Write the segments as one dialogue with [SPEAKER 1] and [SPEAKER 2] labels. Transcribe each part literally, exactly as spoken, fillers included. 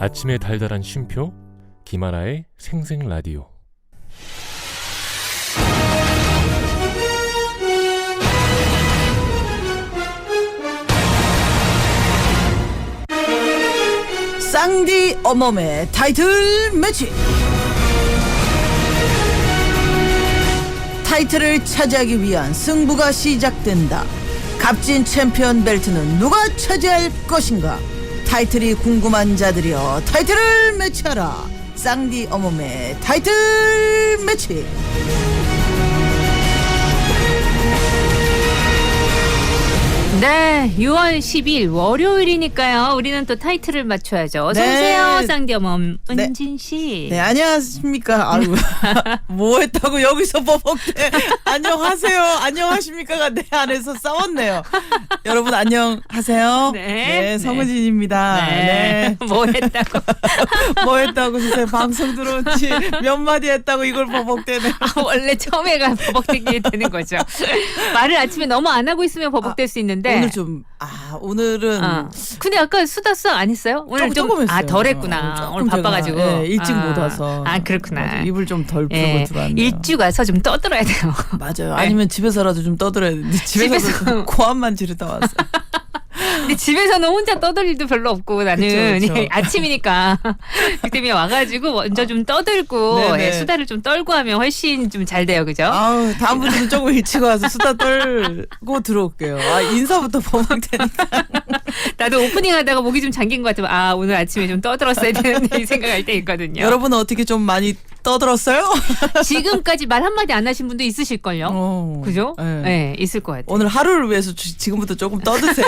[SPEAKER 1] 아침의 달달한 쉼표 김하나의 생생라디오.
[SPEAKER 2] 쌍디 어멈의 타이틀 매치. 타이틀을 차지하기 위한 승부가 시작된다. 값진 챔피언 벨트는 누가 차지할 것인가? 타이틀이 궁금한 자들이여, 타이틀을 매치하라. 쌍디 어멈의 타이틀 매치.
[SPEAKER 3] 네, 유월 십일 월요일이니까요. 우리는 또 타이틀을 맞춰야죠. 어서
[SPEAKER 2] 네.
[SPEAKER 3] 오세요, 쌍디어멈
[SPEAKER 2] 네.
[SPEAKER 3] 은진 씨.
[SPEAKER 2] 네, 안녕하십니까. 아유, 뭐 했다고 여기서 버벅대. 안녕하세요. 안녕하십니까가 내 안에서 싸웠네요. 여러분 안녕하세요.
[SPEAKER 3] 네.
[SPEAKER 2] 네, 성은진입니다.
[SPEAKER 3] 네.
[SPEAKER 2] 네.
[SPEAKER 3] 뭐 했다고?
[SPEAKER 2] 뭐 했다고 세상에 방송 들어온 지 몇 마디 했다고 이걸 버벅대네.
[SPEAKER 3] 아, 원래 처음에가 버벅대게 되는 거죠. 말을 아침에 너무 안 하고 있으면 버벅댈
[SPEAKER 2] 아,
[SPEAKER 3] 수 있는데.
[SPEAKER 2] 오늘 좀, 아, 오늘은.
[SPEAKER 3] 어. 근데 아까 수다 수다 안 했어요? 오늘
[SPEAKER 2] 조금,
[SPEAKER 3] 좀
[SPEAKER 2] 조금 했어요.
[SPEAKER 3] 아, 덜 했구나.
[SPEAKER 2] 조금
[SPEAKER 3] 오늘 바빠가지고.
[SPEAKER 2] 제가, 예, 일찍
[SPEAKER 3] 아.
[SPEAKER 2] 못 와서.
[SPEAKER 3] 아, 그렇구나.
[SPEAKER 2] 맞아, 입을 좀 덜 풀고
[SPEAKER 3] 예,
[SPEAKER 2] 들어왔네요.
[SPEAKER 3] 일찍 와서 좀 떠들어야 돼요.
[SPEAKER 2] 맞아요. 아니면 집에서라도 좀 떠들어야 되는데 집에서
[SPEAKER 3] 집에서.
[SPEAKER 2] 고함만 지르다 왔어요.
[SPEAKER 3] 근데 집에서는 혼자 떠들 일도 별로 없고 나는
[SPEAKER 2] 그쵸, 그쵸.
[SPEAKER 3] 아침이니까 그 때문에 와가지고 먼저 좀 떠들고
[SPEAKER 2] 네네.
[SPEAKER 3] 예, 수다를 좀 떨고 하면 훨씬 좀 잘 돼요, 그죠?
[SPEAKER 2] 아우, 다음부터는 조금 일찍 와서 수다 떨고 들어올게요. 아, 인사부터 버벅대니까.
[SPEAKER 3] 나도 오프닝 하다가 목이 좀 잠긴 것 같으면 아 오늘 아침에 좀 떠들었어야 되는데 이 생각할 때 있거든요.
[SPEAKER 2] 여러분은 어떻게 좀 많이 떠들었어요?
[SPEAKER 3] 지금까지 말 한마디 안 하신 분도 있으실걸요?
[SPEAKER 2] 어,
[SPEAKER 3] 그죠?
[SPEAKER 2] 네.
[SPEAKER 3] 네, 있을 것 같아요.
[SPEAKER 2] 오늘 하루를 위해서 지- 지금부터 조금 떠드세요.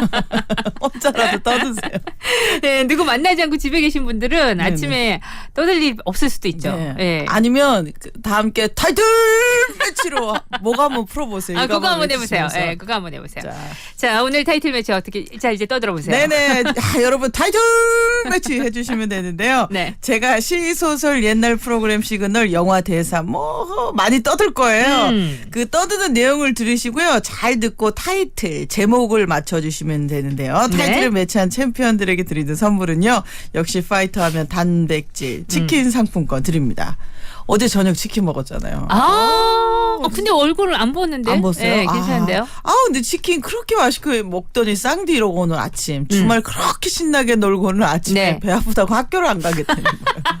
[SPEAKER 2] 혼자라도 떠드세요.
[SPEAKER 3] 네, 누구 만나지 않고 집에 계신 분들은
[SPEAKER 2] 네네.
[SPEAKER 3] 아침에 떠들 일 없을 수도 있죠.
[SPEAKER 2] 네.
[SPEAKER 3] 예.
[SPEAKER 2] 아니면 그 다 함께 타이틀 매치로 뭐가 한번 풀어보세요.
[SPEAKER 3] 아,
[SPEAKER 2] 이거
[SPEAKER 3] 그거 한번 해보세요.
[SPEAKER 2] 외치시면서.
[SPEAKER 3] 예, 그거 한번 해보세요. 자.
[SPEAKER 2] 자,
[SPEAKER 3] 오늘 타이틀 매치 어떻게, 자, 이제 떠들어 보세요.
[SPEAKER 2] 네네. 아, 여러분 타이틀 매치 해주시면 되는데요.
[SPEAKER 3] 네.
[SPEAKER 2] 제가 시소설 옛날 프로그램 시그널 영화 대사 뭐 많이 떠들 거예요.
[SPEAKER 3] 음.
[SPEAKER 2] 그 떠드는 내용을 들으시고요. 잘 듣고 타이틀 제목을 맞춰주시면 되는데요. 타이틀을
[SPEAKER 3] 네.
[SPEAKER 2] 매치한 챔피언들에게 드리는 선물은요. 역시 파이터 하면 단백질 치킨 상품권 드립니다. 어제 저녁 치킨 먹었잖아요.
[SPEAKER 3] 아, 어, 근데 얼굴을 안 보는데?
[SPEAKER 2] 안 봤어요?
[SPEAKER 3] 네, 괜찮은데요?
[SPEAKER 2] 아, 아, 근데 치킨 그렇게 맛있게 먹더니 쌍디 이러고 오늘 아침 주말 그렇게 신나게 놀고 오늘 아침에
[SPEAKER 3] 네.
[SPEAKER 2] 배 아프다고 학교를 안 가겠다는 거예요.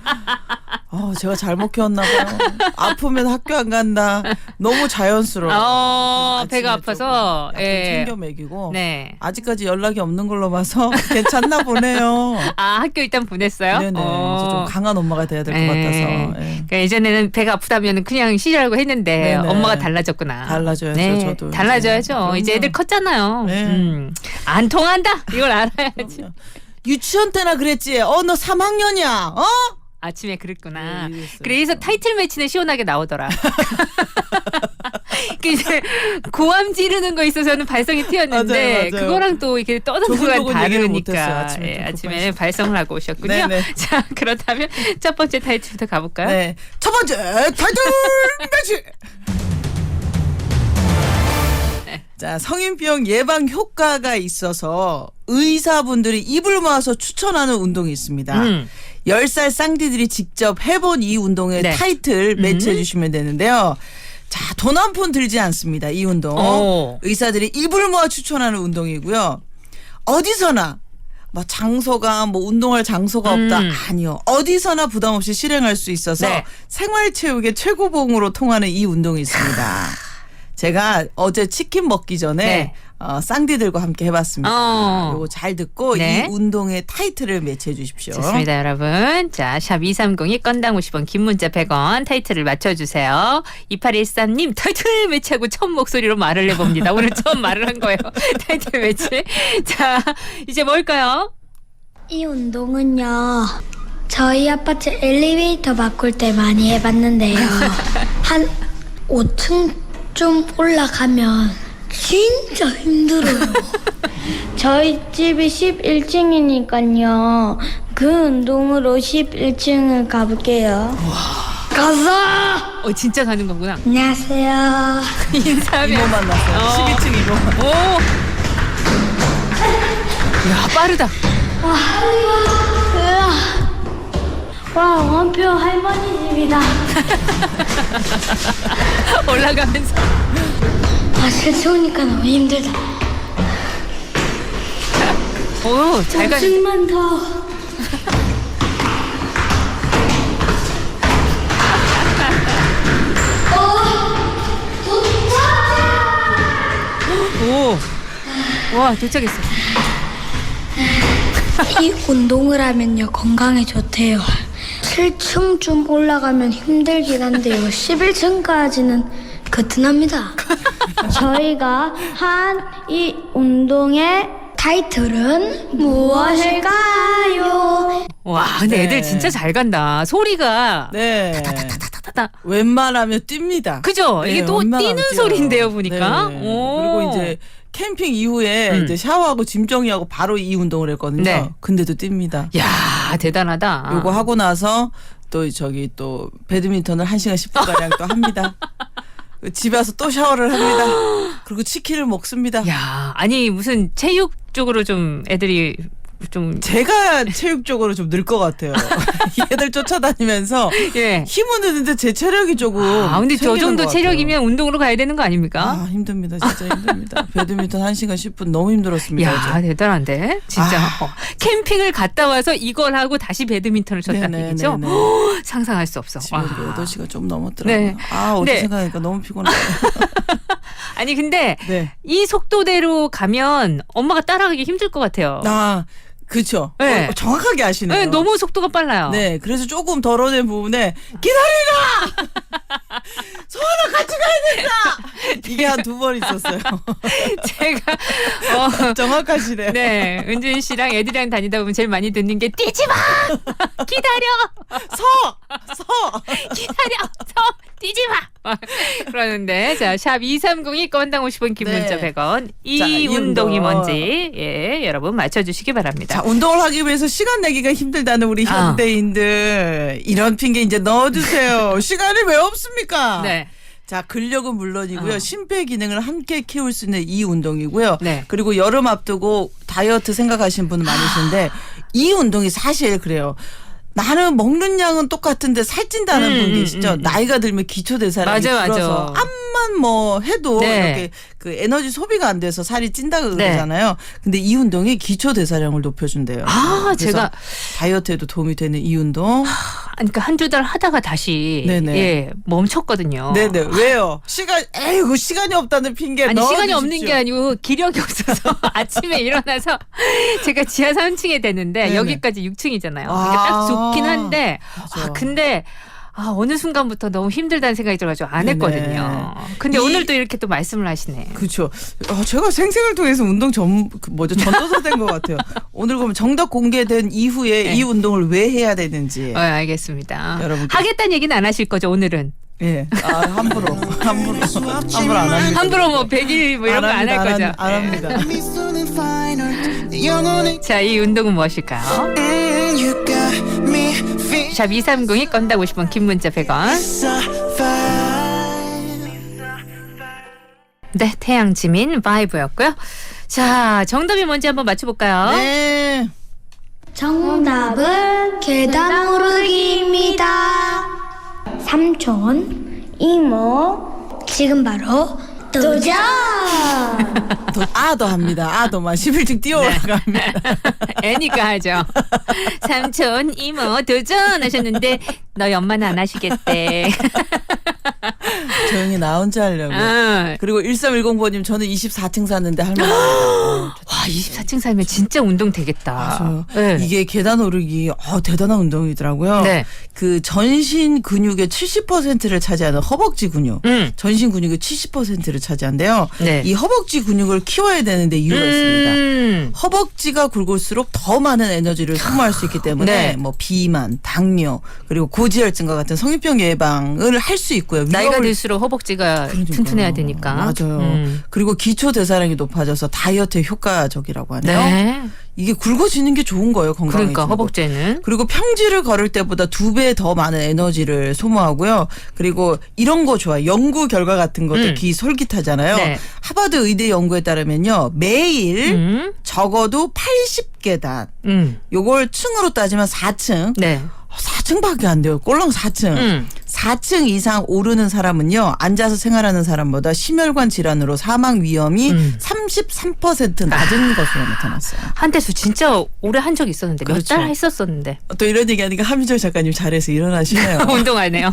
[SPEAKER 2] 아, 제가 잘못 키웠나 봐요. 아프면 학교 안 간다. 너무 자연스러워.
[SPEAKER 3] 어,
[SPEAKER 2] 아침에
[SPEAKER 3] 배가 아파서,
[SPEAKER 2] 조금 약간
[SPEAKER 3] 예.
[SPEAKER 2] 챙겨 먹이고.
[SPEAKER 3] 네.
[SPEAKER 2] 아직까지 연락이 없는 걸로 봐서 괜찮나 보네요.
[SPEAKER 3] 아, 학교 일단 보냈어요?
[SPEAKER 2] 네네.
[SPEAKER 3] 어.
[SPEAKER 2] 이제 좀 강한 엄마가 돼야 될 것
[SPEAKER 3] 예.
[SPEAKER 2] 같아서. 예.
[SPEAKER 3] 그러니까 예전에는 배가 아프다면 그냥 쉬라고 했는데
[SPEAKER 2] 네네.
[SPEAKER 3] 엄마가 달라졌구나.
[SPEAKER 2] 달라져야죠,
[SPEAKER 3] 네,
[SPEAKER 2] 저도 이제.
[SPEAKER 3] 달라져야죠.
[SPEAKER 2] 그럼요.
[SPEAKER 3] 이제 애들 컸잖아요.
[SPEAKER 2] 네.
[SPEAKER 3] 음. 안 통한다? 이걸 알아야지.
[SPEAKER 2] 그럼요. 유치원 때나 그랬지. 어, 너 삼 학년이야. 어?
[SPEAKER 3] 아침에 그랬구나.
[SPEAKER 2] 네, 이랬어요.
[SPEAKER 3] 그래서 타이틀 매치는 시원하게 나오더라. 그 이제 고함 지르는 거 있어서는 발성이 튀었는데
[SPEAKER 2] 맞아요, 맞아요.
[SPEAKER 3] 그거랑 또 이렇게 떠드는 거랑
[SPEAKER 2] 조근조근 얘기를 못했어요,
[SPEAKER 3] 다르니까
[SPEAKER 2] 아침에
[SPEAKER 3] 예,
[SPEAKER 2] 좀
[SPEAKER 3] 아침에
[SPEAKER 2] 급하시죠.
[SPEAKER 3] 발성을 하고 오셨군요.
[SPEAKER 2] 네네.
[SPEAKER 3] 자, 그렇다면 첫 번째 타이틀부터 가볼까요?
[SPEAKER 2] 네. 첫 번째 타이틀 매치. 자, 성인병 예방 효과가 있어서 의사분들이 입을 모아서 추천하는 운동이 있습니다.
[SPEAKER 3] 음.
[SPEAKER 2] 열 살 쌍디들이 직접 해본 이 운동의
[SPEAKER 3] 네.
[SPEAKER 2] 타이틀 매치해 주시면 되는데요. 자, 돈 한 푼 들지 않습니다. 이 운동.
[SPEAKER 3] 오.
[SPEAKER 2] 의사들이 입을 모아 추천하는 운동이고요. 어디서나 뭐 장소가 뭐 운동할 장소가 없다.
[SPEAKER 3] 음.
[SPEAKER 2] 아니요. 어디서나 부담 없이 실행할 수 있어서
[SPEAKER 3] 네.
[SPEAKER 2] 생활체육의 최고봉으로 통하는 이 운동이 있습니다. 제가 어제 치킨 먹기 전에
[SPEAKER 3] 네.
[SPEAKER 2] 어, 쌍디들과 함께 해봤습니다.
[SPEAKER 3] 어.
[SPEAKER 2] 요거 잘 듣고
[SPEAKER 3] 네.
[SPEAKER 2] 이 운동의 타이틀을 매치해 주십시오.
[SPEAKER 3] 좋습니다, 여러분. 자, 샵 이삼공이 건당 오십 원, 긴 문자 백 원, 타이틀을 맞춰주세요. 이팔일삼 님, 타이틀 매치하고 처음 목소리로 말을 해봅니다. 오늘 처음 말을 한 거예요. 타이틀 매치. 자, 이제 뭘까요?
[SPEAKER 4] 이 운동은요, 저희 아파트 엘리베이터 바꿀 때 많이 해봤는데요. 한 오 층좀 올라가면 진짜 힘들어요. 저희 집이 십일 층이니까요. 그 운동으로 십일 층을 가볼게요. 가자!
[SPEAKER 3] 어, 진짜 가는 거구나.
[SPEAKER 4] 안녕하세요.
[SPEAKER 3] 인사하면.
[SPEAKER 2] 이모 만났어요.
[SPEAKER 3] 어.
[SPEAKER 2] 십이 층 이모.
[SPEAKER 3] 오! 야, 빠르다.
[SPEAKER 4] 으아. 와, 원표 할머니 집이다.
[SPEAKER 3] 올라가면서
[SPEAKER 4] 아, 실수니까 너무 힘들다.
[SPEAKER 3] 오, 잘 가.
[SPEAKER 4] 오층만 더.
[SPEAKER 3] 오. 와, 도착했어.
[SPEAKER 4] 이 운동을 하면요 건강에 좋대요. 칠 층쯤 올라가면 힘들긴 한데요 십일 층까지는 거뜬합니다. 저희가 한 이 운동의 타이틀은 무엇일까요?
[SPEAKER 3] 와, 근데
[SPEAKER 2] 네.
[SPEAKER 3] 애들 진짜 잘 간다. 소리가
[SPEAKER 2] 네.
[SPEAKER 3] 타타타타.
[SPEAKER 2] 웬만하면 뜁니다.
[SPEAKER 3] 그죠?
[SPEAKER 2] 네,
[SPEAKER 3] 이게 또
[SPEAKER 2] 웬만하면
[SPEAKER 3] 뛰는
[SPEAKER 2] 뛰어요.
[SPEAKER 3] 소리인데요, 보니까.
[SPEAKER 2] 네.
[SPEAKER 3] 오.
[SPEAKER 2] 그리고 이제 캠핑 이후에
[SPEAKER 3] 음.
[SPEAKER 2] 이제 샤워하고 짐 정리하고 바로 이 운동을 했거든요.
[SPEAKER 3] 네.
[SPEAKER 2] 근데도 뜁니다.
[SPEAKER 3] 야, 대단하다.
[SPEAKER 2] 요거 하고 나서 또 저기 또 배드민턴을 한 시간 십 분 가량 또 합니다. 집에 와서 또 샤워를 합니다. 그리고 치킨을 먹습니다.
[SPEAKER 3] 야, 아니 무슨 체육 쪽으로 좀 애들이 좀
[SPEAKER 2] 제가 체육적으로 좀 늘 것 같아요. 얘들 쫓아다니면서
[SPEAKER 3] 예.
[SPEAKER 2] 힘은 드는데 제 체력이 조금
[SPEAKER 3] 아, 근데 저
[SPEAKER 2] 생기는
[SPEAKER 3] 정도
[SPEAKER 2] 것 같아요.
[SPEAKER 3] 체력이면 운동으로 가야 되는 거 아닙니까?
[SPEAKER 2] 아 힘듭니다. 진짜 힘듭니다. 배드민턴 한 시간 십 분 너무 힘들었습니다.
[SPEAKER 3] 야,
[SPEAKER 2] 어제.
[SPEAKER 3] 대단한데? 진짜.
[SPEAKER 2] 아.
[SPEAKER 3] 어, 캠핑을 갔다 와서 이걸 하고 다시 배드민턴을 쳤다는
[SPEAKER 2] 네네,
[SPEAKER 3] 얘기죠?
[SPEAKER 2] 네네.
[SPEAKER 3] 허, 상상할 수 없어.
[SPEAKER 2] 집에
[SPEAKER 3] 와.
[SPEAKER 2] 여덟 시가 좀 넘었더라고요.
[SPEAKER 3] 네.
[SPEAKER 2] 아 어제
[SPEAKER 3] 네.
[SPEAKER 2] 생각하니까 너무 피곤해요.
[SPEAKER 3] 아니, 근데
[SPEAKER 2] 네.
[SPEAKER 3] 이 속도대로 가면 엄마가 따라가기 힘들 것 같아요.
[SPEAKER 2] 아 그렇죠.
[SPEAKER 3] 네.
[SPEAKER 2] 어, 정확하게 아시네요.
[SPEAKER 3] 네, 너무 속도가 빨라요.
[SPEAKER 2] 네, 그래서 조금 덜어낸 부분에 기다리라! 소원아 같이 가야 된다! 이게 한 두 번 있었어요.
[SPEAKER 3] 제가 어,
[SPEAKER 2] 정확하시네요.
[SPEAKER 3] 네, 은준 씨랑 애들이랑 다니다 보면 제일 많이 듣는 게 뛰지 마! 기다려!
[SPEAKER 2] 서! 서!
[SPEAKER 3] 기다려! 서! 뛰지 마! 그러는데, 자, 샵 이삼공이 건당 오십 원, 긴 문자
[SPEAKER 2] 네.
[SPEAKER 3] 백 원. 이
[SPEAKER 2] 자, 이
[SPEAKER 3] 운동이
[SPEAKER 2] 운동.
[SPEAKER 3] 뭔지, 예, 여러분 맞춰주시기 바랍니다.
[SPEAKER 2] 자, 운동을 하기 위해서 시간 내기가 힘들다는 우리
[SPEAKER 3] 아.
[SPEAKER 2] 현대인들. 이런 핑계 이제 넣어주세요. 시간이 왜 없습니까?
[SPEAKER 3] 네.
[SPEAKER 2] 자, 근력은 물론이고요.
[SPEAKER 3] 어.
[SPEAKER 2] 심폐 기능을 함께 키울 수 있는 이 운동이고요.
[SPEAKER 3] 네.
[SPEAKER 2] 그리고 여름 앞두고 다이어트 생각하시는 분 많으신데 이 운동이 사실 그래요. 나는 먹는 양은 똑같은데 살찐다는
[SPEAKER 3] 음,
[SPEAKER 2] 분
[SPEAKER 3] 음,
[SPEAKER 2] 계시죠?
[SPEAKER 3] 음, 음.
[SPEAKER 2] 나이가 들면 기초 대사량이
[SPEAKER 3] 맞아, 맞아.
[SPEAKER 2] 줄어서 암만 뭐 해도
[SPEAKER 3] 네.
[SPEAKER 2] 이렇게 그 에너지 소비가 안 돼서 살이 찐다
[SPEAKER 3] 네.
[SPEAKER 2] 그러잖아요. 근데 이 운동이 기초 대사량을 높여준대요.
[SPEAKER 3] 아,
[SPEAKER 2] 그래서
[SPEAKER 3] 제가,
[SPEAKER 2] 다이어트에도 도움이 되는 이 운동.
[SPEAKER 3] 그러니까 한두 달 하다가 다시,
[SPEAKER 2] 네네.
[SPEAKER 3] 예, 멈췄거든요.
[SPEAKER 2] 네네. 왜요? 시간, 에이구, 시간이 없다는 핑계
[SPEAKER 3] 아니, 시간이
[SPEAKER 2] 넣어주십시오.
[SPEAKER 3] 없는 게 아니고 기력이 없어서 아침에 일어나서 제가 지하 삼 층에 됐는데
[SPEAKER 2] 네네.
[SPEAKER 3] 여기까지 육 층이잖아요.
[SPEAKER 2] 아.
[SPEAKER 3] 그러니까 딱 좋긴 한데
[SPEAKER 2] 맞아.
[SPEAKER 3] 아, 근데 아, 어느 순간부터 너무 힘들다는 생각이 들어가지고 안
[SPEAKER 2] 네네.
[SPEAKER 3] 했거든요. 근데
[SPEAKER 2] 이-
[SPEAKER 3] 오늘 또 이렇게 또 말씀을 하시네.
[SPEAKER 2] 그렇죠. 어, 제가 생생을 통해서 운동 전 그 뭐죠 전도사 된 것 같아요. 오늘 그러면 정답 공개된 이후에
[SPEAKER 3] 네.
[SPEAKER 2] 이 운동을 왜 해야 되는지.
[SPEAKER 3] 어, 알겠습니다.
[SPEAKER 2] 여러분께-
[SPEAKER 3] 하겠다는 얘기는 안 하실 거죠, 오늘은?
[SPEAKER 2] 예, 아, 함부로 함부로 함부로 안 합니다.
[SPEAKER 3] 함부로 뭐 백 일 뭐 이런 거 안 할
[SPEAKER 2] 합니다,
[SPEAKER 3] 거죠?
[SPEAKER 2] 안, 안
[SPEAKER 3] 네.
[SPEAKER 2] 합니다.
[SPEAKER 3] 자, 이 운동은 무엇일까요? 샵 이삼공이 건당 오십 원, 긴 문자 백 원. 네, 태양 지민 바이브였고요. 자, 정답이 뭔지 한번 맞춰볼까요?
[SPEAKER 2] 네.
[SPEAKER 4] 정답은 계단 오르기입니다. 삼촌, 이모, 지금 바로 도전!
[SPEAKER 2] 더, 아, 더 합니다. 아, 더만 십일 층 뛰어 올라갑니다.
[SPEAKER 3] 애니까 하죠. 삼촌, 이모 도전하셨는데 너희 엄마는 안 하시겠대.
[SPEAKER 2] 조용히 나 혼자 하려고.
[SPEAKER 3] 아,
[SPEAKER 2] 그리고 일삼일공 번님 저는 이십사 층 샀는데 할머니.
[SPEAKER 3] 와, 이십사 층 살면 진짜 운동 되겠다.
[SPEAKER 2] 맞아요.
[SPEAKER 3] 네.
[SPEAKER 2] 이게 계단 오르기 어, 대단한 운동이더라고요.
[SPEAKER 3] 네.
[SPEAKER 2] 그 전신 근육의 칠십 퍼센트를 차지하는 허벅지 근육.
[SPEAKER 3] 음.
[SPEAKER 2] 전신 근육의 칠십 퍼센트를 차지한대요.
[SPEAKER 3] 네.
[SPEAKER 2] 이 허벅지 근육을 키워야 되는데 이유가 있습니다.
[SPEAKER 3] 음.
[SPEAKER 2] 허벅지가 굵을수록 더 많은 에너지를 소모할 수 있기 때문에
[SPEAKER 3] 네.
[SPEAKER 2] 뭐 비만, 당뇨, 그리고 고지혈증과 같은 성인병 예방을 할 수 있고요.
[SPEAKER 3] 나이가
[SPEAKER 2] 위험을-
[SPEAKER 3] 들수록 허벅지가
[SPEAKER 2] 그러니까요.
[SPEAKER 3] 튼튼해야 되니까.
[SPEAKER 2] 맞아요.
[SPEAKER 3] 음.
[SPEAKER 2] 그리고 기초 대사량이 높아져서 다이어트에 효과적이라고 하네요.
[SPEAKER 3] 네.
[SPEAKER 2] 이게 굵어지는 게 좋은 거예요, 건강에.
[SPEAKER 3] 그러니까 허벅지는.
[SPEAKER 2] 그리고 평지를 걸을 때보다 두 배 더 많은 에너지를 소모하고요. 그리고 이런 거 좋아요. 연구 결과 같은 것도
[SPEAKER 3] 음.
[SPEAKER 2] 귀 솔깃하잖아요.
[SPEAKER 3] 네.
[SPEAKER 2] 하버드 의대 연구에 따르면요. 매일
[SPEAKER 3] 음.
[SPEAKER 2] 적어도 팔십 계단.
[SPEAKER 3] 음.
[SPEAKER 2] 요걸 층으로 따지면 사 층.
[SPEAKER 3] 네.
[SPEAKER 2] 사 층밖에 안 돼요. 꼴랑 사 층.
[SPEAKER 3] 음.
[SPEAKER 2] 사 층 이상 오르는 사람은요. 앉아서 생활하는 사람보다 심혈관 질환으로 사망 위험이
[SPEAKER 3] 음.
[SPEAKER 2] 삼십삼 퍼센트 낮은 것으로 나타났어요.
[SPEAKER 3] 한때수 진짜 오래 한 적이 있었는데 몇
[SPEAKER 2] 그렇죠.
[SPEAKER 3] 달 했었었는데
[SPEAKER 2] 또 이런 얘기하니까 함희철 작가님 잘해서 일어나시네요.
[SPEAKER 3] 운동하네요.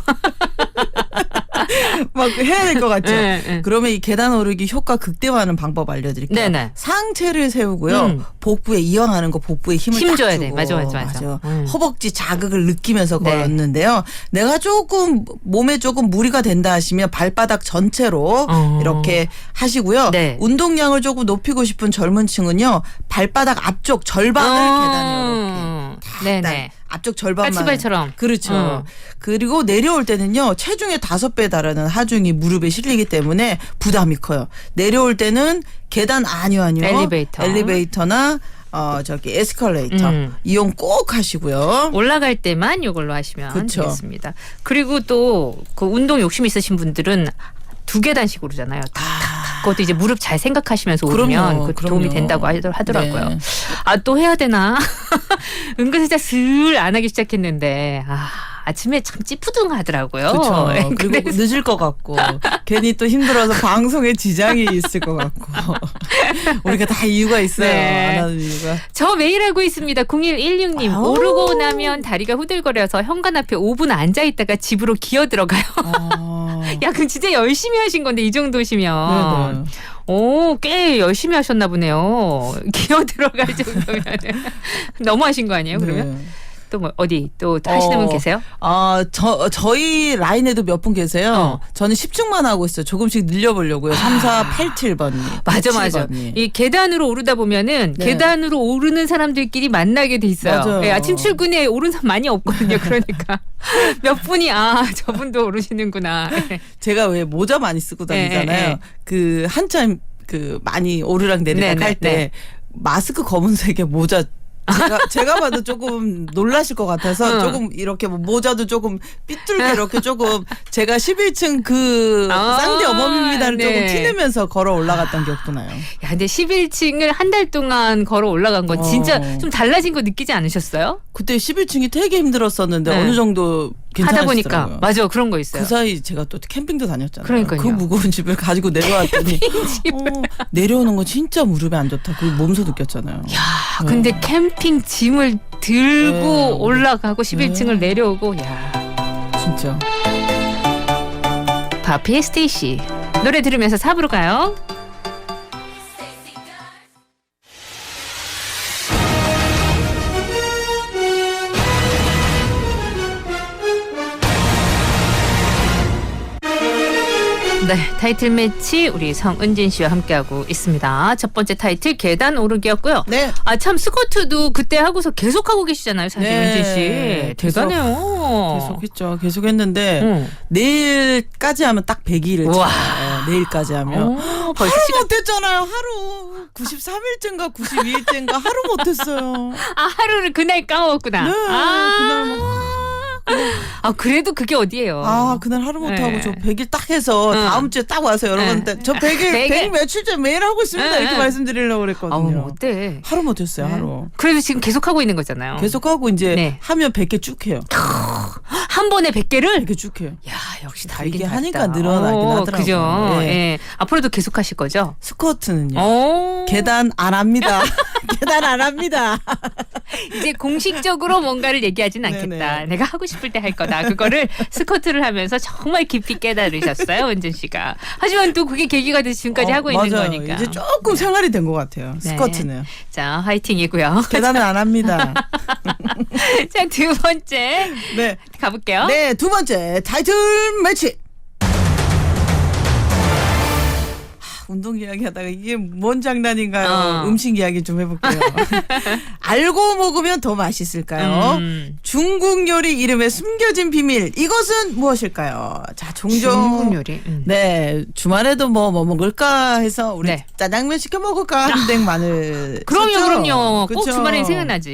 [SPEAKER 2] 막 해야 될 것 같죠.
[SPEAKER 3] 네, 네.
[SPEAKER 2] 그러면 이 계단 오르기 효과 극대화하는 방법 알려드릴게요.
[SPEAKER 3] 네네.
[SPEAKER 2] 상체를 세우고요.
[SPEAKER 3] 음.
[SPEAKER 2] 복부에 이왕하는 거 복부에 힘을
[SPEAKER 3] 힘
[SPEAKER 2] 딱
[SPEAKER 3] 줘야
[SPEAKER 2] 주고.
[SPEAKER 3] 돼. 맞아, 맞아, 맞아. 음.
[SPEAKER 2] 허벅지 자극을 느끼면서
[SPEAKER 3] 네.
[SPEAKER 2] 걸었는데요. 내가 조금 몸에 조금 무리가 된다 하시면 발바닥 전체로
[SPEAKER 3] 어.
[SPEAKER 2] 이렇게 하시고요.
[SPEAKER 3] 네.
[SPEAKER 2] 운동량을 조금 높이고 싶은 젊은 층은요. 발바닥 앞쪽 절반을 계단에
[SPEAKER 3] 어.
[SPEAKER 2] 이렇게
[SPEAKER 3] 네네.
[SPEAKER 2] 앞쪽 절반만
[SPEAKER 3] 까치발처럼.
[SPEAKER 2] 그렇죠.
[SPEAKER 3] 어.
[SPEAKER 2] 그리고 내려올 때는요. 체중의 다섯 배 달하는 하중이 무릎에 실리기 때문에 부담이 커요. 내려올 때는 계단 아니요 아니요.
[SPEAKER 3] 엘리베이터.
[SPEAKER 2] 엘리베이터나 어 저기 에스컬레이터
[SPEAKER 3] 음.
[SPEAKER 2] 이용 꼭 하시고요.
[SPEAKER 3] 올라갈 때만 이걸로 하시면
[SPEAKER 2] 그쵸.
[SPEAKER 3] 되겠습니다. 그리고 또 그 운동 욕심 있으신 분들은 두 계단씩 오르잖아요. 탁탁탁. 그것도 이제 무릎 잘 생각하시면서 오르면
[SPEAKER 2] 그럼요,
[SPEAKER 3] 그것도
[SPEAKER 2] 그럼요.
[SPEAKER 3] 도움이 된다고 하더- 하더라고요.
[SPEAKER 2] 네.
[SPEAKER 3] 아, 또 해야 되나? 은근슬쩍 슬 안 하기 시작했는데 아, 아침에 참 찌푸둥하더라고요.
[SPEAKER 2] 그렇죠.
[SPEAKER 3] 네,
[SPEAKER 2] 그리고
[SPEAKER 3] 그래서
[SPEAKER 2] 늦을 것 같고 괜히 또 힘들어서 방송에 지장이 있을 것 같고 우리가 다 이유가 있어요.
[SPEAKER 3] 네.
[SPEAKER 2] 안 하는 이유가.
[SPEAKER 3] 저 매일 하고 있습니다. 공일일육 님.
[SPEAKER 2] 아우.
[SPEAKER 3] 오르고 나면 다리가 후들거려서 현관 앞에 오 분 앉아있다가 집으로 기어 들어가요.
[SPEAKER 2] 아.
[SPEAKER 3] 야, 그럼 진짜 열심히 하신 건데 이 정도시면.
[SPEAKER 2] 네네.
[SPEAKER 3] 오, 꽤 열심히 하셨나 보네요. 기어 들어갈 정도면 너무 하신 거 아니에요? 그러면
[SPEAKER 2] 네.
[SPEAKER 3] 또 뭐 어디 또 하시는 분
[SPEAKER 2] 어,
[SPEAKER 3] 계세요?
[SPEAKER 2] 아, 저, 저희 라인에도 몇 분 계세요.
[SPEAKER 3] 어.
[SPEAKER 2] 저는 십 층만 하고 있어요. 조금씩 늘려보려고요. 삼, 사, 팔, 칠 번이.
[SPEAKER 3] 맞아, 맞아. 이 계단으로 오르다 보면은
[SPEAKER 2] 네.
[SPEAKER 3] 계단으로 오르는 사람들끼리 만나게 돼 있어요.
[SPEAKER 2] 맞아요.
[SPEAKER 3] 예, 아침 출근에 오른 사람 많이 없거든요. 그러니까 몇 분이 아 저분도 오르시는구나. 예.
[SPEAKER 2] 제가 왜 모자 많이 쓰고 다니잖아요.
[SPEAKER 3] 네, 네.
[SPEAKER 2] 그 한참 그 많이 오르락 내리락
[SPEAKER 3] 네,
[SPEAKER 2] 할 때
[SPEAKER 3] 네, 네.
[SPEAKER 2] 마스크 검은색의 모자 제가 제가 봐도 조금 놀라실 것 같아서
[SPEAKER 3] 어.
[SPEAKER 2] 조금 이렇게 뭐 모자도 조금 삐뚤게 이렇게 조금 제가 십일 층 그
[SPEAKER 3] 아,
[SPEAKER 2] 쌍디 어머입니다를
[SPEAKER 3] 네.
[SPEAKER 2] 조금 티내면서 걸어 올라갔던 기억도 나요.
[SPEAKER 3] 야, 근데 십일 층을 한 달 동안 걸어 올라간 건 진짜
[SPEAKER 2] 어.
[SPEAKER 3] 좀 달라진 거 느끼지 않으셨어요?
[SPEAKER 2] 그때 십일 층이 되게 힘들었었는데
[SPEAKER 3] 네.
[SPEAKER 2] 어느 정도
[SPEAKER 3] 하다 보니까
[SPEAKER 2] 괜찮으시더라고요.
[SPEAKER 3] 맞아 그런 거 있어요.
[SPEAKER 2] 그 사이 제가 또 캠핑도 다녔잖아요.
[SPEAKER 3] 그러니까요.
[SPEAKER 2] 그 무거운 집을 가지고 내려왔더니 어, 내려오는 건 진짜 무릎에 안 좋다. 그 몸소 느꼈잖아요.
[SPEAKER 3] 야, 근데 캠핑 짐을 들고
[SPEAKER 2] 네.
[SPEAKER 3] 올라가고 십일 층을
[SPEAKER 2] 네.
[SPEAKER 3] 내려오고 야.
[SPEAKER 2] 진짜.
[SPEAKER 3] 바피의 스테이시 노래 들으면서 사 부로 가요. 네, 타이틀 매치 우리 성은진 씨와 함께하고 있습니다. 첫 번째 타이틀 계단 오르기였고요.
[SPEAKER 2] 네.
[SPEAKER 3] 아, 참 스쿼트도 그때 하고서 계속 하고 계시잖아요, 사실
[SPEAKER 2] 네.
[SPEAKER 3] 은진 씨.
[SPEAKER 2] 계속,
[SPEAKER 3] 대단해요.
[SPEAKER 2] 계속했죠. 계속 했는데
[SPEAKER 3] 응.
[SPEAKER 2] 내일까지 하면 딱 백 일을
[SPEAKER 3] 우와.
[SPEAKER 2] 차요. 내일까지 하면.
[SPEAKER 3] 오, 벌써
[SPEAKER 2] 하루
[SPEAKER 3] 시간.
[SPEAKER 2] 못했잖아요. 하루. 구십삼 일째인가 구십이 일째인가 하루 못했어요.
[SPEAKER 3] 아, 하루를 그날 까먹었구나.
[SPEAKER 2] 네.
[SPEAKER 3] 아,
[SPEAKER 2] 그날 뭐.
[SPEAKER 3] 아, 그래도 그게 어디예요?
[SPEAKER 2] 아 그날 하루 못하고
[SPEAKER 3] 네.
[SPEAKER 2] 저 백 일 딱 해서
[SPEAKER 3] 응.
[SPEAKER 2] 다음 주에 딱 와서 여러분한테 저 백 일
[SPEAKER 3] 백 일.
[SPEAKER 2] 백 일 며칠째 매일 하고 있습니다.
[SPEAKER 3] 응,
[SPEAKER 2] 이렇게
[SPEAKER 3] 응.
[SPEAKER 2] 말씀드리려고
[SPEAKER 3] 아우,
[SPEAKER 2] 그랬거든요.
[SPEAKER 3] 뭐 어때?
[SPEAKER 2] 하루 못했어요.
[SPEAKER 3] 네.
[SPEAKER 2] 하루.
[SPEAKER 3] 그래도 지금 계속 하고 있는 거잖아요.
[SPEAKER 2] 계속 하고 이제
[SPEAKER 3] 네.
[SPEAKER 2] 하면 백 개 쭉 해요.
[SPEAKER 3] 한 번에 백 개를?
[SPEAKER 2] 백 개 쭉 해요.
[SPEAKER 3] 야, 역시
[SPEAKER 2] 다
[SPEAKER 3] 다르긴
[SPEAKER 2] 이게
[SPEAKER 3] 다르다.
[SPEAKER 2] 하니까 늘어나긴
[SPEAKER 3] 오,
[SPEAKER 2] 하더라고요.
[SPEAKER 3] 그죠?
[SPEAKER 2] 네.
[SPEAKER 3] 예. 앞으로도 계속 하실 거죠?
[SPEAKER 2] 스쿼트는요.
[SPEAKER 3] 오.
[SPEAKER 2] 계단 안 합니다. 계단 안 합니다.
[SPEAKER 3] 이제 공식적으로 뭔가를 얘기하진 않겠다.
[SPEAKER 2] 네네.
[SPEAKER 3] 내가 하고 싶을 때 할 거다. 그거를 스쿼트를 하면서 정말 깊이 깨달으셨어요, 은진 씨가. 하지만 또 그게 계기가 돼서 지금까지
[SPEAKER 2] 어,
[SPEAKER 3] 하고 있는
[SPEAKER 2] 맞아요.
[SPEAKER 3] 거니까.
[SPEAKER 2] 이제 조금 생활이 된 것 같아요.
[SPEAKER 3] 네.
[SPEAKER 2] 스쿼트는.
[SPEAKER 3] 자, 화이팅이고요.
[SPEAKER 2] 계단은 안 합니다.
[SPEAKER 3] 자, 두 번째
[SPEAKER 2] 네.
[SPEAKER 3] 가볼게요.
[SPEAKER 2] 네, 두 번째 타이틀 매치. 하, 운동 이야기 하다가 이게 뭔 장난인가요?
[SPEAKER 3] 어.
[SPEAKER 2] 음식 이야기 좀 해볼게요. 알고 먹으면 더 맛있을까요?
[SPEAKER 3] 음.
[SPEAKER 2] 중국 요리 이름의 숨겨진 비밀. 이것은 무엇일까요? 자, 종종.
[SPEAKER 3] 중국 요리. 음.
[SPEAKER 2] 네, 주말에도 뭐, 뭐 먹을까 해서 우리
[SPEAKER 3] 네.
[SPEAKER 2] 짜장면 시켜 먹을까 한댕 마늘.
[SPEAKER 3] 그럼요,
[SPEAKER 2] 썼죠?
[SPEAKER 3] 그럼요. 꼭
[SPEAKER 2] 그쵸?
[SPEAKER 3] 주말에 생각나지.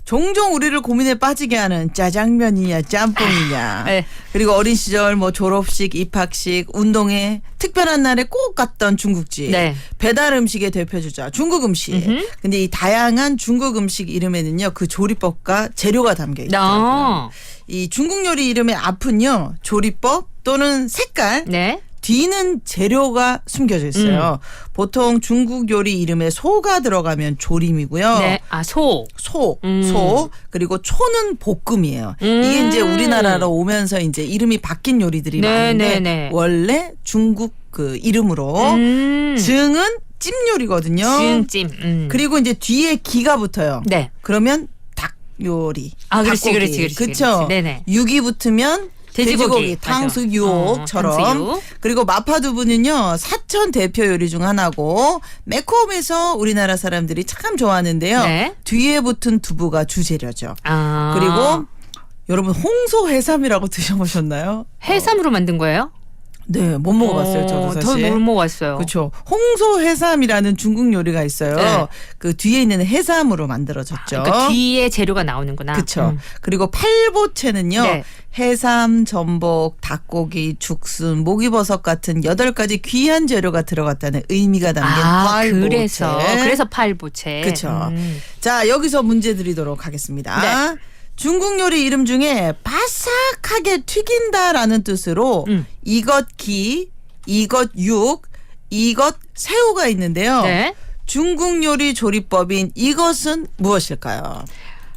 [SPEAKER 2] 종종 우리를 고민에 빠지게 하는 짜장면이냐 짬뽕이냐.
[SPEAKER 3] 네.
[SPEAKER 2] 그리고 어린 시절 뭐 졸업식, 입학식, 운동회, 특별한 날에 꼭 갔던 중국집.
[SPEAKER 3] 네.
[SPEAKER 2] 배달 음식의 대표주자 중국 음식.
[SPEAKER 3] 음흠.
[SPEAKER 2] 근데 이 다양한 중국 음식 이름에는요. 그 조리법과 재료가 담겨 있더라고요.
[SPEAKER 3] 어.
[SPEAKER 2] 이 중국 요리 이름의 앞은요. 조리법 또는 색깔.
[SPEAKER 3] 네.
[SPEAKER 2] 뒤는 재료가 숨겨져 있어요.
[SPEAKER 3] 음.
[SPEAKER 2] 보통 중국 요리 이름에 소가 들어가면 조림이고요.
[SPEAKER 3] 네. 아, 소.
[SPEAKER 2] 소,
[SPEAKER 3] 음.
[SPEAKER 2] 소, 그리고 초는 볶음이에요.
[SPEAKER 3] 음.
[SPEAKER 2] 이게 이제 우리나라로 오면서 이제 이름이 바뀐 요리들이
[SPEAKER 3] 네,
[SPEAKER 2] 많은데
[SPEAKER 3] 네, 네.
[SPEAKER 2] 원래 중국 그 이름으로
[SPEAKER 3] 음.
[SPEAKER 2] 증은 찜 요리거든요.
[SPEAKER 3] 지응찜. 음.
[SPEAKER 2] 그리고 이제 뒤에 기가 붙어요.
[SPEAKER 3] 네.
[SPEAKER 2] 그러면 닭 요리.
[SPEAKER 3] 아, 그렇지,
[SPEAKER 2] 닭고기.
[SPEAKER 3] 그렇지, 그렇지,
[SPEAKER 2] 그쵸?
[SPEAKER 3] 그렇지. 네네.
[SPEAKER 2] 육이 붙으면
[SPEAKER 3] 돼지고기.
[SPEAKER 2] 돼지고기,
[SPEAKER 3] 맞아.
[SPEAKER 2] 탕수육처럼.
[SPEAKER 3] 어, 탕수육.
[SPEAKER 2] 그리고 마파두부는요 사천 대표 요리 중 하나고 매콤해서 우리나라 사람들이 참 좋아하는데요.
[SPEAKER 3] 네.
[SPEAKER 2] 뒤에 붙은 두부가 주재료죠.
[SPEAKER 3] 아.
[SPEAKER 2] 그리고 여러분 홍소 해삼이라고 드셔보셨나요?
[SPEAKER 3] 해삼으로 만든 거예요?
[SPEAKER 2] 네, 못 먹어봤어요. 저도
[SPEAKER 3] 어,
[SPEAKER 2] 사실.
[SPEAKER 3] 못 먹어봤어요.
[SPEAKER 2] 그렇죠. 홍소 해삼이라는 중국 요리가 있어요.
[SPEAKER 3] 네.
[SPEAKER 2] 그 뒤에 있는 해삼으로 만들어졌죠.
[SPEAKER 3] 그러니까 뒤에 재료가 나오는구나.
[SPEAKER 2] 그렇죠.
[SPEAKER 3] 음.
[SPEAKER 2] 그리고 팔보채는요.
[SPEAKER 3] 네.
[SPEAKER 2] 해삼, 전복, 닭고기, 죽순, 목이버섯 같은 여덟 가지 귀한 재료가 들어갔다는 의미가 담긴
[SPEAKER 3] 아,
[SPEAKER 2] 팔보채.
[SPEAKER 3] 그래서 그래서 팔보채.
[SPEAKER 2] 그렇죠.
[SPEAKER 3] 음.
[SPEAKER 2] 자, 여기서 문제 드리도록 하겠습니다.
[SPEAKER 3] 네.
[SPEAKER 2] 중국 요리 이름 중에 바삭하게 튀긴다라는 뜻으로
[SPEAKER 3] 음.
[SPEAKER 2] 이것 기, 이것 육, 이것 새우가 있는데요.
[SPEAKER 3] 네.
[SPEAKER 2] 중국 요리 조리법인 이것은 무엇일까요?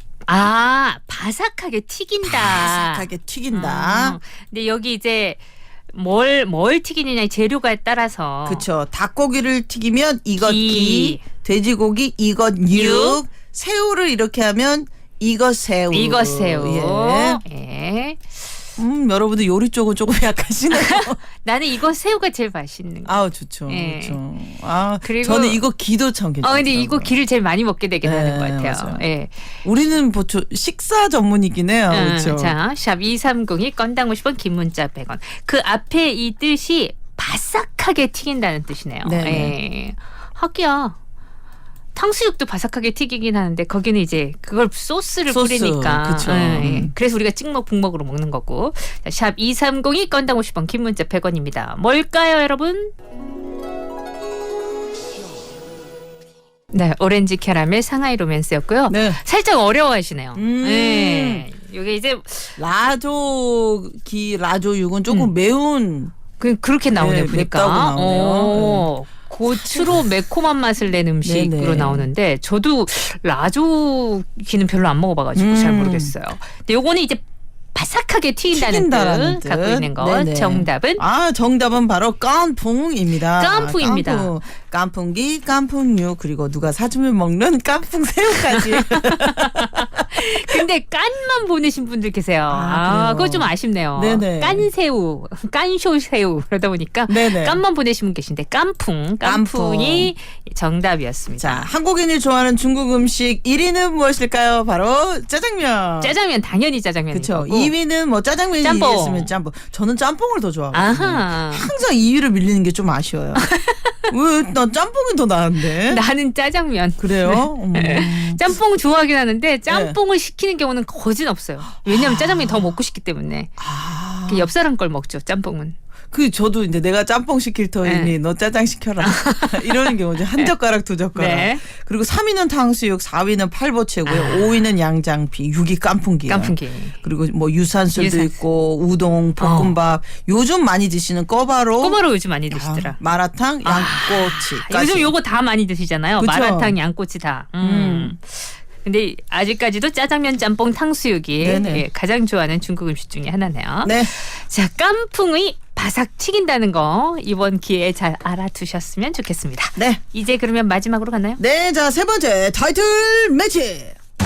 [SPEAKER 3] 아, 바삭하게 튀긴다.
[SPEAKER 2] 바삭하게 튀긴다.
[SPEAKER 3] 음. 근데 여기 이제 뭘, 뭘 튀기느냐 재료가에 따라서.
[SPEAKER 2] 그렇죠. 닭고기를 튀기면 이것 기,
[SPEAKER 3] 기.
[SPEAKER 2] 돼지고기 이것 육,
[SPEAKER 3] 육.
[SPEAKER 2] 새우를 이렇게 하면 이것 새우.
[SPEAKER 3] 이것 새우.
[SPEAKER 2] 예.
[SPEAKER 3] 예.
[SPEAKER 2] 음, 여러분들 요리 쪽은 조금 약하시네요.
[SPEAKER 3] 나는 이거 새우가 제일 맛있는 거.
[SPEAKER 2] 아우 좋죠.
[SPEAKER 3] 예.
[SPEAKER 2] 그렇죠. 아,
[SPEAKER 3] 그리고-
[SPEAKER 2] 저는 이거 기도 참
[SPEAKER 3] 어,
[SPEAKER 2] 괜찮아요.
[SPEAKER 3] 근데 이거 기를 제일 많이 먹게 되긴
[SPEAKER 2] 네,
[SPEAKER 3] 하는 것 같아요.
[SPEAKER 2] 맞아요.
[SPEAKER 3] 예.
[SPEAKER 2] 우리는 보통 식사 전문이긴 해요.
[SPEAKER 3] 음,
[SPEAKER 2] 그렇죠.
[SPEAKER 3] 자, 샵 이삼공이 건당 오십 원, 긴 문자 백 원. 그 앞에 이 뜻이 바삭하게 튀긴다는 뜻이네요.
[SPEAKER 2] 네네.
[SPEAKER 3] 예. 하기야. 탕수육도 바삭하게 튀기긴 하는데 거기는 이제 그걸 소스를
[SPEAKER 2] 소스,
[SPEAKER 3] 뿌리니까.
[SPEAKER 2] 그쵸.
[SPEAKER 3] 예, 예. 그래서 우리가 찍먹 북먹으로 먹는 거고. 자, 샵 이삼공이 건당 오십 원, 긴 문자 백 원입니다. 뭘까요, 여러분? 네, 오렌지 캐러멜 상하이 로맨스였고요.
[SPEAKER 2] 네.
[SPEAKER 3] 살짝 어려워하시네요.
[SPEAKER 2] 음.
[SPEAKER 3] 네. 이게 이제
[SPEAKER 2] 라조기 라조육은 조금
[SPEAKER 3] 음.
[SPEAKER 2] 매운
[SPEAKER 3] 그 그렇게 나오네
[SPEAKER 2] 네,
[SPEAKER 3] 보니까.
[SPEAKER 2] 맵다고 나오네요.
[SPEAKER 3] 어, 고추로 매콤한 맛을 낸 음식으로
[SPEAKER 2] 네네.
[SPEAKER 3] 나오는데 저도 라조기는 별로 안 먹어봐가지고
[SPEAKER 2] 음.
[SPEAKER 3] 잘 모르겠어요. 근데 요거는 이제 바삭하게 튀긴다는,
[SPEAKER 2] 튀긴다라는
[SPEAKER 3] 뜻, 갖고
[SPEAKER 2] 뜻.
[SPEAKER 3] 있는 것.
[SPEAKER 2] 네네.
[SPEAKER 3] 정답은
[SPEAKER 2] 아, 정답은 바로 깐풍입니다.
[SPEAKER 3] 깐풍입니다.
[SPEAKER 2] 깐풍. 깐풍기, 깐풍육, 그리고 누가 사주면 먹는 깐풍 새우까지.
[SPEAKER 3] 근데 깐만 보내신 분들 계세요.
[SPEAKER 2] 아,
[SPEAKER 3] 아,
[SPEAKER 2] 그래요?
[SPEAKER 3] 그거 좀 아쉽네요.
[SPEAKER 2] 네네.
[SPEAKER 3] 깐새우, 깐쇼새우 그러다 보니까
[SPEAKER 2] 네네.
[SPEAKER 3] 깐만 보내신 분 계신데 깐풍, 깐풍이 정답이었습니다.
[SPEAKER 2] 자, 한국인이 좋아하는 중국 음식 일 위는 무엇일까요? 바로 짜장면.
[SPEAKER 3] 짜장면 당연히 짜장면인
[SPEAKER 2] 그렇죠.
[SPEAKER 3] 거고.
[SPEAKER 2] 이 위는 뭐 짜장면이
[SPEAKER 3] 짬뽕.
[SPEAKER 2] 이겼으면 짬뽕. 저는 짬뽕을 더 좋아하거든요.
[SPEAKER 3] 아하.
[SPEAKER 2] 항상 이 위를 밀리는 게 좀 아쉬워요. 왜? 난 짬뽕이 더 나은데.
[SPEAKER 3] 나는 짜장면.
[SPEAKER 2] 그래요? 음.
[SPEAKER 3] 짬뽕 좋아하긴 하는데 짬뽕을 시키는 경우는 거진 없어요. 왜냐하면
[SPEAKER 2] 아.
[SPEAKER 3] 짜장면이 더 먹고 싶기 때문에.
[SPEAKER 2] 아.
[SPEAKER 3] 그 옆 사람 걸 먹죠. 짬뽕은.
[SPEAKER 2] 그 저도 이제 내가 짬뽕 시킬 터이니
[SPEAKER 3] 네.
[SPEAKER 2] 너 짜장 시켜라 이러는 경우죠. 한 젓가락 두 젓가락.
[SPEAKER 3] 네.
[SPEAKER 2] 그리고 삼 위는 탕수육, 사 위는 팔보채고요.
[SPEAKER 3] 아.
[SPEAKER 2] 오 위는 양장피, 육 위 깐풍기예요.
[SPEAKER 3] 깐풍기.
[SPEAKER 2] 그리고 뭐 유산슬도
[SPEAKER 3] 유산슬.
[SPEAKER 2] 있고 우동, 볶음밥. 요즘 많이 드시는 꺼바로,
[SPEAKER 3] 꼬바로 요즘 많이 드시더라.
[SPEAKER 2] 아, 마라탕, 양꼬치.
[SPEAKER 3] 아, 요즘 요거 다 많이 드시잖아요.
[SPEAKER 2] 그쵸?
[SPEAKER 3] 마라탕, 양꼬치 다. 음. 근데 아직까지도 짜장면, 짬뽕, 탕수육이
[SPEAKER 2] 네네.
[SPEAKER 3] 예, 가장 좋아하는 중국 음식 중에 하나네요.
[SPEAKER 2] 네.
[SPEAKER 3] 자, 깐풍이 바삭 튀긴다는 거 이번 기회에 잘 알아두셨으면 좋겠습니다.
[SPEAKER 2] 네.
[SPEAKER 3] 이제 그러면 마지막으로 갔나요?
[SPEAKER 2] 네, 자, 세 번째 타이틀 매치.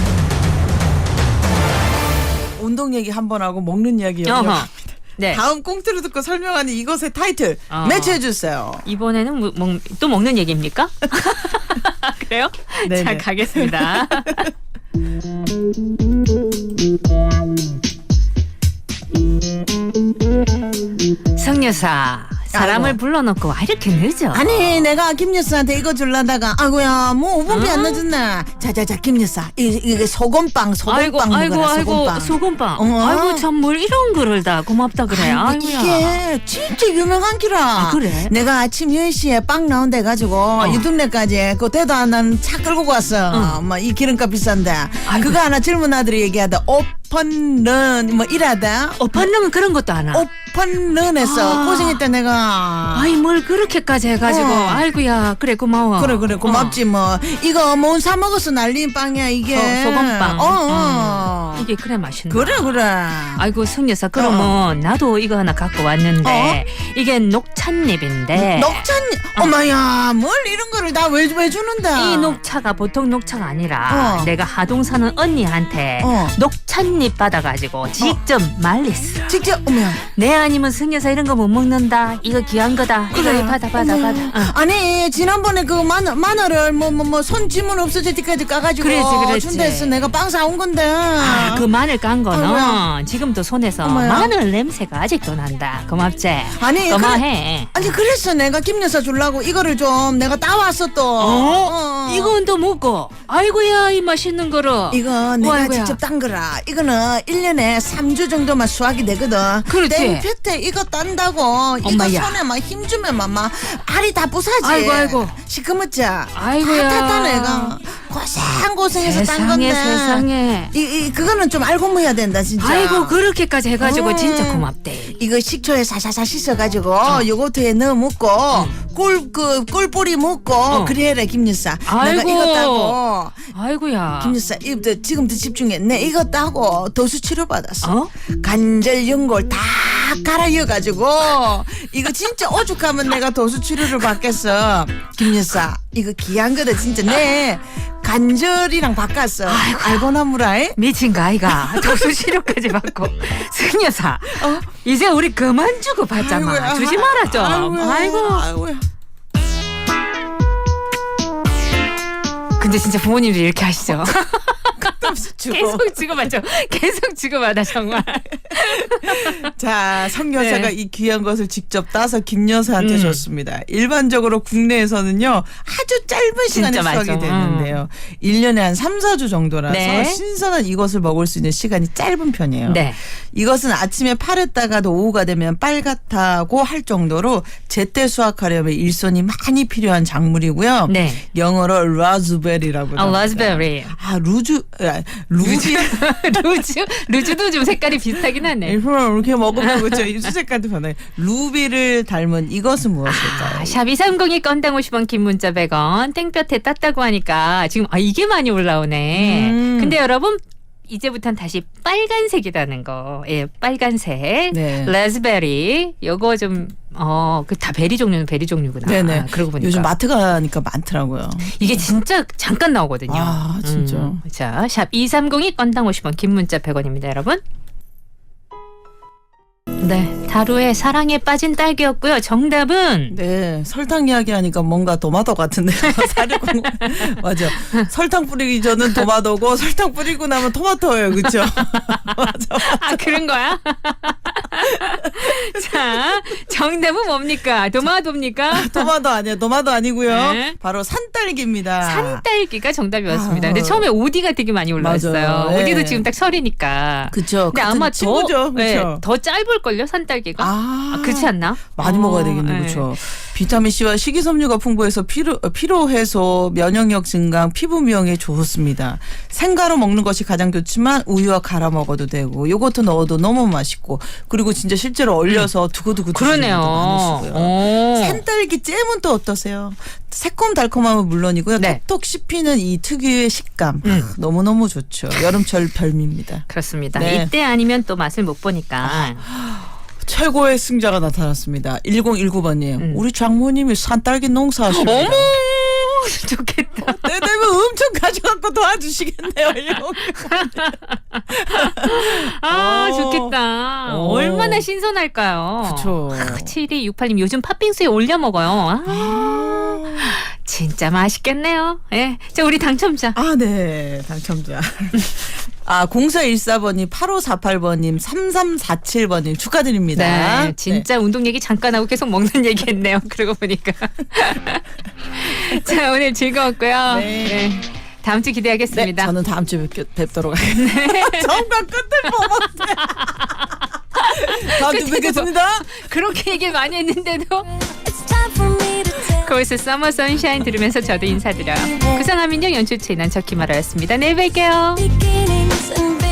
[SPEAKER 2] 운동 얘기 한 번 하고 먹는 이야기
[SPEAKER 3] 어허.
[SPEAKER 2] 연결합니다.
[SPEAKER 3] 네.
[SPEAKER 2] 다음 꽁트를 듣고 설명하는 이것의 타이틀
[SPEAKER 3] 어.
[SPEAKER 2] 매치해 주세요.
[SPEAKER 3] 이번에는 뭐, 먹, 또 먹는 얘기입니까? 그래요?
[SPEAKER 2] 네네.
[SPEAKER 3] 자, 가겠습니다. 성여사, 사람을
[SPEAKER 2] 아이고.
[SPEAKER 3] 불러놓고 와 이렇게 늦어.
[SPEAKER 2] 아니 내가 김 여사한테 이거 줄라다가 아이고야 뭐 오 분밖에 안 늦었네. 자자자 김 여사 이- 이게 소금빵
[SPEAKER 3] 아이고
[SPEAKER 2] 소금빵
[SPEAKER 3] 아이고
[SPEAKER 2] 먹어라
[SPEAKER 3] 아이고
[SPEAKER 2] 소금빵.
[SPEAKER 3] 소금빵.
[SPEAKER 2] 어.
[SPEAKER 3] 아이고 참 뭘 이런 거를 다 고맙다 그래.
[SPEAKER 2] 아이고,
[SPEAKER 3] 아이고야.
[SPEAKER 2] 이게 진짜 유명한 기라.
[SPEAKER 3] 아, 그래?
[SPEAKER 2] 내가 아침 열 시에 빵 나온다 해가지고 유tum내까지 그 대도 하나는 차 끌고 갔어. 뭐 이 기름값 비싼데. 그거 하나 젊은 아들이 얘기하다. 오픈런 뭐 이라다.
[SPEAKER 3] 오빠는 그런 것도 안 하.
[SPEAKER 2] 오픈런에서
[SPEAKER 3] 아.
[SPEAKER 2] 고생했다 내가.
[SPEAKER 3] 아이 뭘 그렇게까지 해가지고
[SPEAKER 2] 어.
[SPEAKER 3] 아이고야 그래 고마워.
[SPEAKER 2] 그래 그래 고맙지 뭐. 이거 뭐 사 먹어서 날린 빵이야 이게.
[SPEAKER 3] 소, 소금빵.
[SPEAKER 2] 어, 어.
[SPEAKER 3] 음. 이게 그래 맛있네.
[SPEAKER 2] 그래 그래.
[SPEAKER 3] 아이고 승여사 그러면 나도 이거 하나 갖고 왔는데 이게 녹찻잎인데
[SPEAKER 2] 녹찬 어마야 뭘 이런 거를 다 왜 왜 주는데?
[SPEAKER 3] 이 녹차가 보통 녹차가 아니라
[SPEAKER 2] 어.
[SPEAKER 3] 내가 하동 사는 언니한테
[SPEAKER 2] 어.
[SPEAKER 3] 녹찻잎 받아가지고 직접 말렸어.
[SPEAKER 2] 직접 어머.
[SPEAKER 3] 내 아니면 승여사 이런 거 못 먹는다. 이거 귀한 거다. 이거 받아 받아
[SPEAKER 2] 어머.
[SPEAKER 3] 받아. 어.
[SPEAKER 2] 아니 지난번에 그 마늘 마늘을 뭐 뭐 뭐 손 지문 없어질 때까지 까가지고
[SPEAKER 3] 그랬지, 그랬지.
[SPEAKER 2] 준다 했어. 내가 빵 사온 건데.
[SPEAKER 3] 아, 그 마늘 깐 거는
[SPEAKER 2] 어머야.
[SPEAKER 3] 지금도 손에서
[SPEAKER 2] 어머야.
[SPEAKER 3] 마늘 냄새가 아직도 난다. 고맙지?
[SPEAKER 2] 아니,
[SPEAKER 3] 고마해.
[SPEAKER 2] 아니 그랬어 내가 김 여사 주려고 이거를 좀 내가 따왔어 또.
[SPEAKER 3] 어?
[SPEAKER 2] 어.
[SPEAKER 3] 이건 또 먹고. 아이고야 이 맛있는 거를.
[SPEAKER 2] 이거 내가
[SPEAKER 3] 아이고야.
[SPEAKER 2] 직접 딴 거라. 이거는 일 년에 삼 주 정도만 수확이 되거든.
[SPEAKER 3] 그렇지.
[SPEAKER 2] 땡볕에 이거 딴다고 이거
[SPEAKER 3] 엄마야.
[SPEAKER 2] 손에 막 힘주면 막, 막 알이 다 부사지.
[SPEAKER 3] 아이고, 아이고.
[SPEAKER 2] 시커멓지?
[SPEAKER 3] 아이고야.
[SPEAKER 2] 다 탔다 내가. 고생고생해서 딴 건데.
[SPEAKER 3] 세상에 세상에.
[SPEAKER 2] 이, 이 그거는 좀 알고 먹어야 된다 진짜.
[SPEAKER 3] 아이고 그렇게까지 해가지고
[SPEAKER 2] 음.
[SPEAKER 3] 진짜 고맙대.
[SPEAKER 2] 이거 식초에 사사사 씻어가지고 요거트에 넣어 먹고 꿀그 꿀뿌리 먹고
[SPEAKER 3] 어.
[SPEAKER 2] 그래라 김여사. 내가
[SPEAKER 3] 아이고.
[SPEAKER 2] 이거 따고
[SPEAKER 3] 아이고야.
[SPEAKER 2] 김여사 이부터 지금부터 집중해. 내 이거 따고 도수 치료 받았어.
[SPEAKER 3] 어?
[SPEAKER 2] 관절 연골 다 갈아이어가지고 이거 진짜 오죽하면 내가 도수 치료를 받겠어. 김여사 이거 귀한 거다 진짜. 내 관절이랑 바꿨어. 알고나 무라이.
[SPEAKER 3] 미친 거 아이가 도수 치료까지 받고 승여사 어? 이제 우리 그만 주고 받자마.
[SPEAKER 2] 아이고야.
[SPEAKER 3] 주지 마라 좀.
[SPEAKER 2] 아이고야.
[SPEAKER 3] 아이고.
[SPEAKER 2] 아이고야.
[SPEAKER 3] 근데 진짜 부모님도 이렇게 하시죠.
[SPEAKER 2] 주고.
[SPEAKER 3] 계속 주고받죠. 계속 주고받아 정말.
[SPEAKER 2] 자, 성 여사가
[SPEAKER 3] 네.
[SPEAKER 2] 이 귀한 것을 직접 따서 김 여사한테
[SPEAKER 3] 음.
[SPEAKER 2] 줬습니다. 일반적으로 국내에서는요 아주 짧은 시간에
[SPEAKER 3] 진짜
[SPEAKER 2] 수확이
[SPEAKER 3] 맞아.
[SPEAKER 2] 되는데요. 일 년에 한 삼, 사 주 정도라서
[SPEAKER 3] 네.
[SPEAKER 2] 신선한 이것을 먹을 수 있는 시간이 짧은 편이에요.
[SPEAKER 3] 네.
[SPEAKER 2] 이것은 아침에 파랬다가도 오후가 되면 빨갛다고 할 정도로 제때 수확하려면 일손이 많이 필요한 작물이고요.
[SPEAKER 3] 네.
[SPEAKER 2] 영어로 라즈베리라고
[SPEAKER 3] 아, 라즈베리.
[SPEAKER 2] 아, 루즈, 아, 루비.
[SPEAKER 3] 루즈 루즈도 좀 색깔이 비슷하긴 하네.
[SPEAKER 2] 일부러 이렇게 먹으면 그렇죠. 입술 색깔도 변해. 루비를 닮은 이것은 무엇일까요?
[SPEAKER 3] 아, 샵 이삼공이 건당 오십 원 긴 문자 백 원 땡볕에 땄다고 하니까 지금 아 이게 많이 올라오네.
[SPEAKER 2] 음.
[SPEAKER 3] 근데 여러분 이제부터는 다시 빨간색이라는 거. 예, 빨간색.
[SPEAKER 2] 네.
[SPEAKER 3] 라즈베리. 요거 좀 어, 그 다 베리 종류는 베리 종류구나.
[SPEAKER 2] 네네.
[SPEAKER 3] 아, 그러고 보니까.
[SPEAKER 2] 요즘 마트 가니까 많더라고요.
[SPEAKER 3] 이게 진짜 잠깐 나오거든요.
[SPEAKER 2] 아, 진짜.
[SPEAKER 3] 음. 자, 샵 이삼공이 건당 오십 원 긴 문자 백 원입니다, 여러분. 네, 다루의 사랑에 빠진 딸기였고요. 정답은
[SPEAKER 2] 네, 설탕 이야기하니까 뭔가 도마도 같은데요. 사려고 맞아. 설탕 뿌리기 전은 도마도고 설탕 뿌리고 나면 토마토예요, 그렇죠? 맞아.
[SPEAKER 3] 아 그런 거야? 자, 정답은 뭡니까? 도마도입니까?
[SPEAKER 2] 도마도 아니에요. 도마도 아니고요.
[SPEAKER 3] 네.
[SPEAKER 2] 바로 산딸기입니다.
[SPEAKER 3] 산딸기가 정답이었습니다.
[SPEAKER 2] 아.
[SPEAKER 3] 근데 처음에 오디가 되게 많이 올라왔어요.
[SPEAKER 2] 맞아요. 네.
[SPEAKER 3] 오디도 지금 딱 설이니까.
[SPEAKER 2] 그쵸.
[SPEAKER 3] 근데
[SPEAKER 2] 같은
[SPEAKER 3] 아마
[SPEAKER 2] 친구죠.
[SPEAKER 3] 더, 네,
[SPEAKER 2] 그쵸?
[SPEAKER 3] 더 짧을걸요, 산딸기가?
[SPEAKER 2] 아,
[SPEAKER 3] 아, 그렇지 않나?
[SPEAKER 2] 많이
[SPEAKER 3] 어,
[SPEAKER 2] 먹어야 되겠네,
[SPEAKER 3] 네.
[SPEAKER 2] 그렇죠. 비타민 C와 식이섬유가 풍부해서 피로 피로 해소, 면역력 증강, 피부 미용에 좋습니다. 생가로 먹는 것이 가장 좋지만 우유와 갈아 먹어도 되고, 요거트 넣어도 너무 맛있고, 그리고 진짜 실제로 얼려서 두고두고 드시는
[SPEAKER 3] 그러네요.
[SPEAKER 2] 분도 많으시고요.
[SPEAKER 3] 오.
[SPEAKER 2] 산딸기 잼은 또 어떠세요? 새콤달콤함은 물론이고요.
[SPEAKER 3] 네.
[SPEAKER 2] 톡톡 씹히는 이 특유의 식감
[SPEAKER 3] 음.
[SPEAKER 2] 너무너무 좋죠. 여름철 별미입니다.
[SPEAKER 3] 그렇습니다.
[SPEAKER 2] 네.
[SPEAKER 3] 이때 아니면 또 맛을 못 보니까.
[SPEAKER 2] 최고의 승자가 나타났습니다. 일공일구 번님.
[SPEAKER 3] 음.
[SPEAKER 2] 우리 장모님이 산딸기 농사하십니다.
[SPEAKER 3] 어머! 좋겠다.
[SPEAKER 2] 때 되면 엄청 가져갖고 도와주시겠네요.
[SPEAKER 3] 아,
[SPEAKER 2] 어.
[SPEAKER 3] 좋겠다.
[SPEAKER 2] 어.
[SPEAKER 3] 얼마나 신선할까요?
[SPEAKER 2] 그쵸.
[SPEAKER 3] 아, 칠이육팔 님 요즘 팥빙수에 올려 먹어요. 아, 진짜 맛있겠네요. 예. 자, 우리 당첨자.
[SPEAKER 2] 아, 네. 당첨자. 아, 공사일사 번님, 팔오사팔 번님, 삼삼사칠 번님 축하드립니다.
[SPEAKER 3] 네, 진짜 운동 얘기 잠깐 하고 계속 먹는 얘기 했네요. 그러고 보니까. 자, 오늘 즐거웠고요.
[SPEAKER 2] 네.
[SPEAKER 3] 네. 다음 주
[SPEAKER 2] 네,
[SPEAKER 3] 기대하겠습니다.
[SPEAKER 2] 저는 다음 주에 뵙, 뵙도록 하겠습니다. 정말 끝을 뽑았네. 다음 주에 뵙겠습니다.
[SPEAKER 3] 그렇게 얘기를 많이 했는데도. 거기서 서머 선샤인 들으면서 저도 인사드려요. 구성하민영 연출 진한 저 김아라였습니다. 내일 뵐게요.
[SPEAKER 5] beginnings and